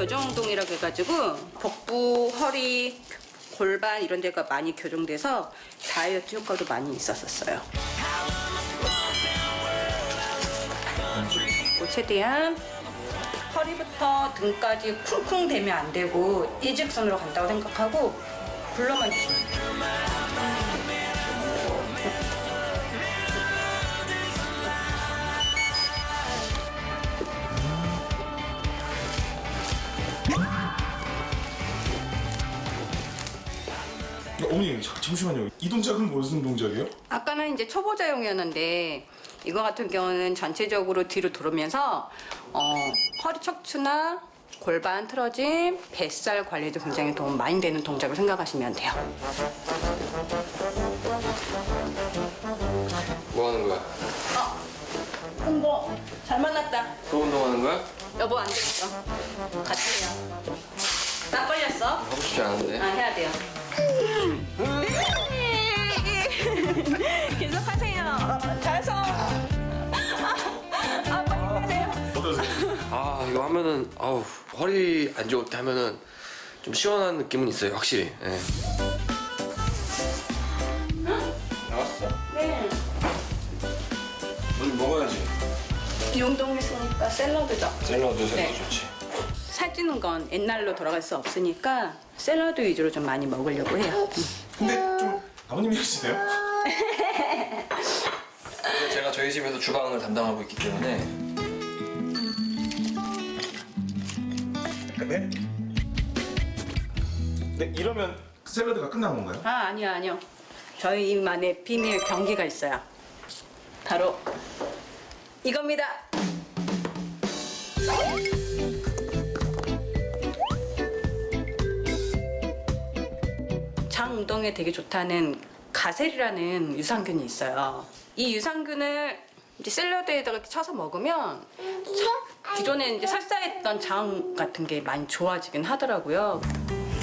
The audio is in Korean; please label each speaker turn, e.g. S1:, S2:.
S1: 교정 운동이라고 해가지고 복부, 허리, 골반 이런 데가 많이 교정돼서 다이어트 효과도 많이 있었어요. 최대한 허리부터 등까지 쿵쿵 대면 안 되고 일직선으로 간다고 생각하고 굴러만 주시면 돼요.
S2: 어머니 잠시만요. 이 동작은 무슨 동작이에요?
S1: 아까는 이제 초보자용이었는데 이거 같은 경우는 전체적으로 뒤로 돌으면서 허리 척추나 골반 틀어짐, 뱃살 관리에도 굉장히 도움 많이 되는 동작을 생각하시면 돼요.
S3: 뭐 하는 거야?
S1: 홍보 잘 만났다.
S3: 또 운동하는 거야?
S1: 여보 안 되겠어. 같이 해요. 딱 걸렸어?
S3: 하고 싶지 않은데.
S1: 아 해야 돼요. 계속하세요. 잘서. 빨리 하세요.
S2: 어떠세요?
S3: 아 이거 하면은 아우 허리 안 좋을 때 하면은 좀 시원한 느낌은 있어요 확실히. 예. 나왔어.
S1: 네.
S3: 넌 먹어야지.
S1: 이 운동했으니까 샐러드죠.
S3: 샐러드
S1: 네.
S3: 좋지.
S1: 살찌는 건 옛날로 돌아갈 수 없으니까 샐러드 위주로 좀 많이 먹으려고 해요.
S2: 근데 좀 아버님이 하시네요?
S3: 제가 저희 집에서 주방을 담당하고 있기 때문에.
S2: 네? 네, 이러면 샐러드가 끝난 건가요?
S1: 아 아니요. 저희만의 비밀 경기가 있어요. 바로 이겁니다. 장 운동에 되게 좋다는 가셀이라는 유산균이 있어요. 이 유산균을 이제 샐러드에다가 이렇게 쳐서 먹으면 기존에 이제 설사했던 장 같은 게 많이 좋아지긴 하더라고요.